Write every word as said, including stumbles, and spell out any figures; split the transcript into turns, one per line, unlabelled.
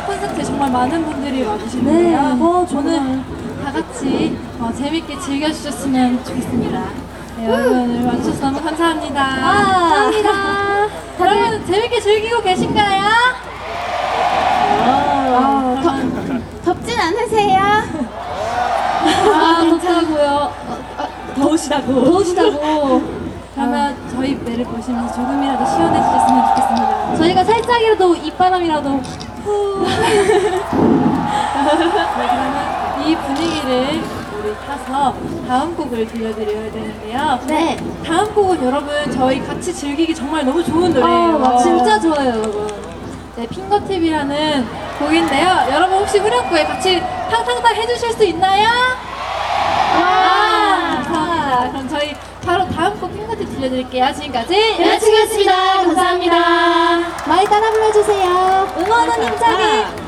콘서트에 정말 많은 분들이 와주시는데요.
네.
어, 저는 다 같이 어, 재밌게 즐겨주셨으면 좋겠습니다. 네, 여러분 오늘 와주셔서 너무 감사합니다.
감사합니다.
여러분 재밌게 즐기고 계신가요? 아, 그러면
덥진 않으세요?
아, 덥다고요.
더우시다고.
더우시다고. 그러면 저희 무대를 보시면서 조금이라도 시원해지셨으면 좋겠습니다.
저희가 살짝이라도 입바람이라도 후.
네, 그러면 이 분위기를 우리 타서 다음 곡을 들려드려야 되는데요.
네.
다음 곡은 여러분 저희 같이 즐기기 정말 너무 좋은 노래예요.
아, 진짜 좋아요, 여러분.
네, 핑거팁이라는 곡인데요. 여러분 혹시 후렴구에 같이 탕탕탕 해주실 수 있나요? 와! 감사합니다. 그럼 저희 바로 다음 곡 핑거팁 들려드릴게요. 지금까지
여자친구였습니다. 감사합니다. 많이 따라 불러주세요. 응원은 힘차게.